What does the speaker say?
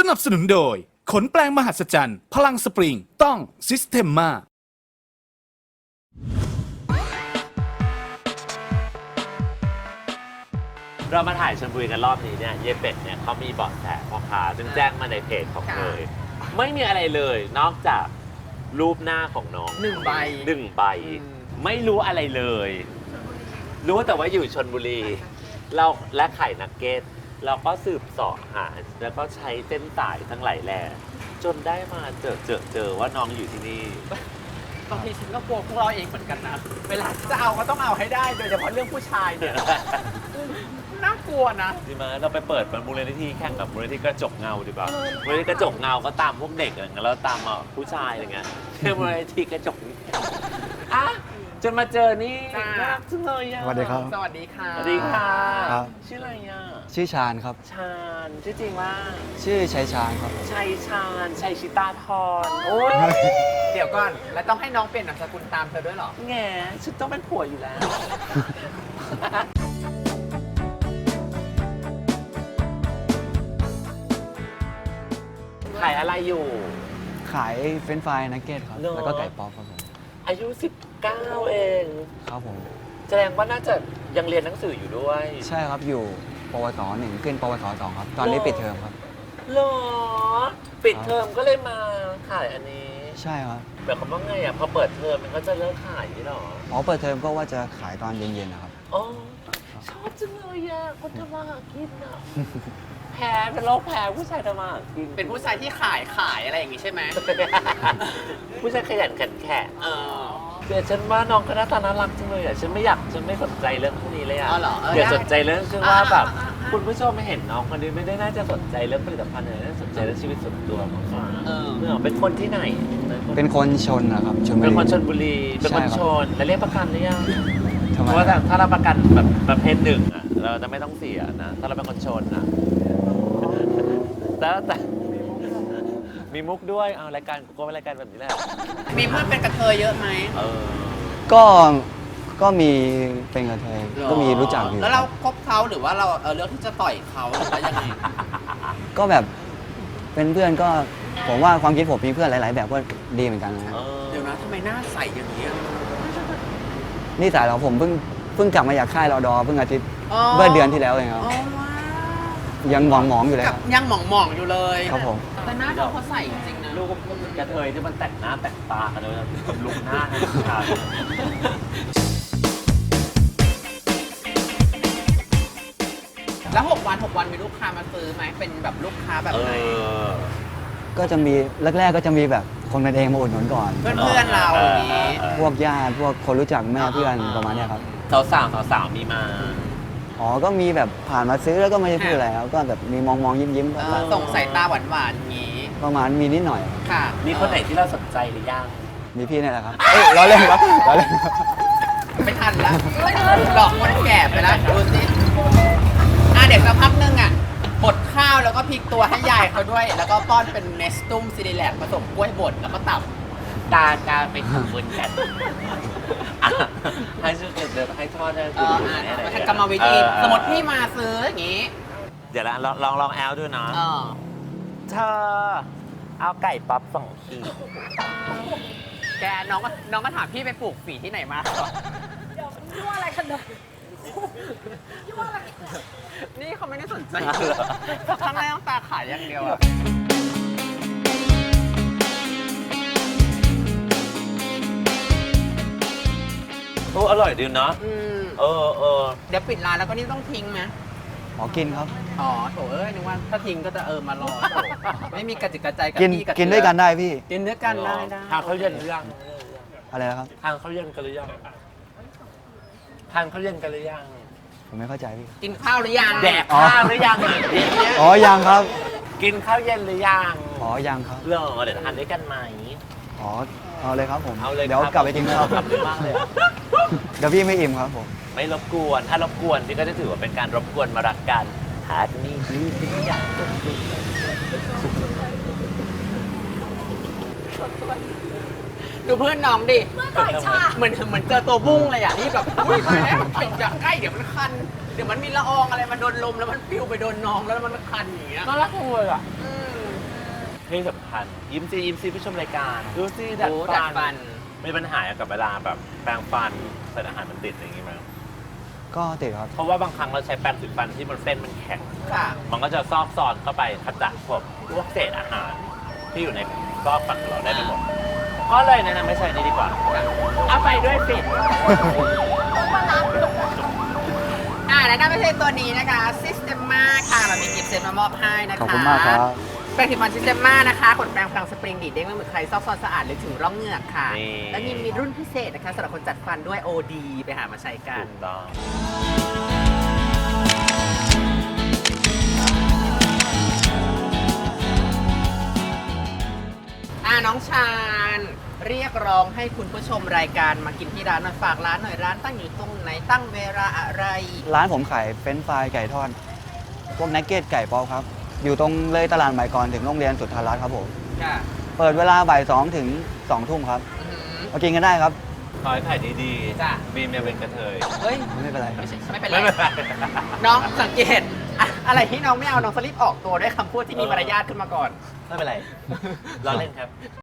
นับสนุนโดยขนแปลงมหัศจรรย์พลังสปริงต้องซิสเ e มมาเรามาถ่ายชลบุรีกันรอบนี้เนี่ยเยเป็ดเนี่ยเขามีเบาะแสพ่อค้าซึ่งแจ้งมาในเพจของเลยไม่มีอะไรเลยนอกจากรูปหน้าของน้องหนึ่งใบไม่รู้อะไรเลย รู้แต่ว่าอยู่ชลบุรีเราและไข่นักเก็ตเราก็สืบเสาะหาแล้วก็ใช้เส้นสายทั้งหลายแหล่จนได้มาเจอว่าน้องอยู่ที่นี่บางทีฉันก็กลัวพวกเราเองเหมือนกันนะเวลาจะเอาก็ต้องเอาให้ได้โดยเฉพาะเรื่องผู้ชายเนี่ย น่ากลัวนะดีไหมเราไปเปิดมูลนิธิแข่งกับมูลนิธิกระจกเงาดีป่ะมูลนิธิกระจกเงาก็ตามพวกเด็กอะไรเงี้ยแล้วตามผู้ชายอะไรเงี้ยมูลนิธิกระจกอ่ะจนมาเจอนี่จ้าน่ารักจังเลยอ่ะสวัสดีครับสวัสดีค่ะสวัสดีค่ะครับชื่ออะไรอ่ะชื่อชาญครับชาญชื่อจริงว่าชื่อชัยชาญครับชัยชาญชัยชิตาธรโอ้ยเดี๋ยวก่อน แล้วต้องให้น้องเปลี่ยนนามสกุลตามเธอด้วยเหรอแง่ฉันต้องเป็นผัวอยู่แล้ว ขายอะไรอยู่ขายเฟรนช์ฟรายนักเก็ตครับเหรอแล้วก็ไก่ป๊อปครับผมอายุ 19 เองครับผมแสดงว่าน่าจะยังเรียนหนังสืออยู่ด้วยใช่ครับอยู่ปวสหนึ่งขึ้นปวสสองครับ ตอนนี้ปิดเทอมครับเหรอ ปิดเทอมก็เลยมาขายอันนี้ใช่ครับแบบคำว่าไงอ่ะ พอเปิดเทอมมันก็จะเลิกขายนี่หรออ๋อเปิดเทอมก็ว่าจะขายตอนเย็นๆนะครับอ๋อ ชอบจังเลยอ่ะ คนทำมาหากินอ่ะ แพ้เป็นโรคแพ้ผู้ชายทำมาหากินเป็นผู้ชายที่ขายอะไรอย่างงี้ใช่ไหมผู้ชายขยันขันแข็งเออเดี๋ยวฉันว่าน้องก็หน้าตาน่ารักจังเลยอ่ะ ฉันไม่สนใจเรื่องพวกนี้เลยอ่ะอ๋อเหรอเดี๋ยวได้สนใจเรื่องคือว่าแบบอ่าคุณผู้ชมไม่เห็นน้องคนนี้ไม่ได้น่าจะสนใจเรื่องผลิตภัณฑ์เลยน่าสนใจเรื่องชีวิตส่วนตัวมากกว่าเออเมื่อเป็นคนที่ไหนเป็นคนชนนะครับชนบุเป็นรีคนชลบุรี เป็นคนใช่ครับชนแล้วเรียกประกันหรือยังทำเพไมราะว่าถ้าเราประกันแบบประเภทหนึ่งอ่ะ เราจะไม่ต้องเสียนะ ถ้าเราเป็นคนชนนะแต่มีมุกด้วยเอารายการก็เป็นรายการแบบนี้แหละมีเพื่อนเป็นกระเทยเยอะไหมเออก็มีเป็นกระเทยก็มีรู้จักอยู่แล้วเราคบเขาหรือว่าเราเลือกที่จะต่อยเขาหรือว่ายังไงก็แบบเป็นเพื่อนก็ผมว่าความคิดผมมีเพื่อนหลาย ๆ แบบก็ดีเหมือนกันนะเดี๋ยวนะทำไมหน้าใสอย่างนี้ยนี่สายเราผมเพิ่งกลับมาจากค่ายรอดอเพิ่งอาทิตย์อ๋อเมื่อเดือนที่แล้วเองครับอ๋อว้าวยังหมองๆอยู่เลยกัครับ บยังหมองๆอยู่เลยครับผมแต่หน้าเธอเขาใสจริงๆนะลูกกระเทยที่มันแต่งหน้าแต่งตากันเลยลุกหน้าให้ผู้ชายแล้ว6 วันมีลูกค้ามาซื้อไหมเป็นแบบลูกค้าแบบไหนก็จะมีแรกๆก็จะมีแบบคนกันเองมาอุดหนุนก่อนเพื่อนๆเราอย่างนี้พวกญาติพวกคนรู้จักแม่เพื่อนประมาณเนี้ยครับสาวมีมาอ๋อก็มีแบบผ่านมาซื้อแล้วก็ไม่ได้พูดอะไรครับก็แบบมีมองยิ้มส่งสายตาหวานๆอย่างนี้ประมาณมีนิดหน่อยค่ะมีคนไหนที่เราสนใจหรือยังมีพี่นี่แหละครับเอ้ยล้อเล่นครับล้อเล่นครับไม่ทันแล้วหลอกคนแก่ไปแล้วดูสิเด็กสักพักนึงบดข้าวแล้วก็พลิกตัวให้ยายเขาด้วย แล้วก็ป้อนเป็นเนสตุ้มซิลิแลกผสมกล้วยบดแล้วก็ตับตาไปทำบุญกันให้ช่วยเดี๋ยวให้ทอดให้เอคุณอดูอะไรมันกรรมวิธีสมมติพี่มาซื้ออย่างนี้เดี๋ยวนะลองแอลด้วยนะเออเธอเอาไก่ป๊อป2 ขีดแกน้องก็ถามพี่ไปปลูกฝีที่ไหนมายั่วอะไรกันเนี่ยนี่เขาไม่ได้สนใจข้างในต้องตาขายอย่างเดียวอะโอ้อร่อยดีนะอืมเออเดี๋ยวปิดร้านแล้วก็นี่ต้องทิ้งไหมอ๋อกินครับอ๋อโถนึกว่าถ้าทิ้งก็จะมารอโถไม่มีกระจิกกระใจกับกินพี่กับกินด้วยกันได้พี่กินด้วยกันได้ได้ทานข้าวเย็นหรือยังอะไรนะครับทานข้าวเย็นกันหรือยังทานข้าวเย็นกันหรือยังผมไม่เข้าใจพี่กินข้าวหรือยังแดกข้าวหรือยังอ๋อยังครับกินข้าวเย็นหรือยังอ๋อยังครับเหรอเดี๋ยวทานด้วยกันไหมอ๋อเอาเลยครับผมเอาเลยเดี๋ยวครับกลับไปกินข้าวขอบคุณมากเลยอะเดี๋ยวพี่ไม่อิ่มครับผมไม่รบกวน ถ้ารบกวนพี่ก็จะถือว่าเป็นการรบกวนมารักกันหาที่นี่ดีที่อยากดูเพื่อนน้องดิเหมือนเจอตัวบุ้งเลยอ่ะที่แบบอุ้ยมาแล้วอย่าใกล้เดี๋ยวมันคัน เดี๋ยวมันมีละอองอะไรมาโดนลมแล้วมันปลิวไปโดนน้องแล้วมันคันอย่างเงี้ยน่ารักจังเลยอ่ะอืมที่สำคัญยิ้มซีผู้ชมรายการดูสิดัดโอ้ฟัดัดฟันนมีปัญหากับเวลาแบบแปรงฟันใส่อาหารมันติดอะไรอย่างงี้ไหมก็ติดครับเพราะว่าบางครั้งเราใช้แปรงสีฟันที่มันเส้นมันแข็งค่ะมันก็จะซอกซอนเข้าไปขจัดพวกเศษอาหารที่อยู่ในซอกฟันของเราได้ไปหมดก็เลยแนะนำไม่ใช้นี้ดีกว่าเอาไปด้วยสิแล้วนั่นไม่ใช่ตัวนี้นะคะ Systema ค่ะ เรามีกิฟต์เซตมามอบให้นะคะขอบคุณมากครับแปรงสีฟัน Systema นะคะขนแปรงพลังสปริงดีดเด้งไม่เหมือนใครซอกซอนสะอาดหรือถึงร่องเหงือกค่ะนี่แล้วยังมีรุ่นพิเศษนะคะสำหรับคนจัดฟันด้วย OD ไปหามาใช้กันถูกต้องน้องชาญเรียกร้องให้คุณผู้ชมรายการมากินที่ร้านหน่อยฝากร้านหน่อยร้านตั้งอยู่ตรงไหนตั้งเวลาอะไรร้านผมขายเฟรนช์ฟรายไก่ทอด พวกนักเก็ตไก่ป๊อปครับ อยู่ตรงเลยตลาดใหม่ก่อนถึงโรงเรียนสุทธารัตน์ครับผมค่ะเปิดเวลาบ่าย2 ถึง 2 ทุ่มครับอื้อหือมากินกันได้ครับขอให้ขายดีจ้ะๆบีมเนี่ยเป็นกระเทยเฮ้ยไม่เป็นไรไม่เป็นไรไม่เป็นไรน้องสังเกตอะอะไรที่น้องไม่เอาน้องสลิปออกตัวด้วยคำพูดที่มีมารยาทขึ้นมาก่อนไม่เป็นไรล้อเล่นครับ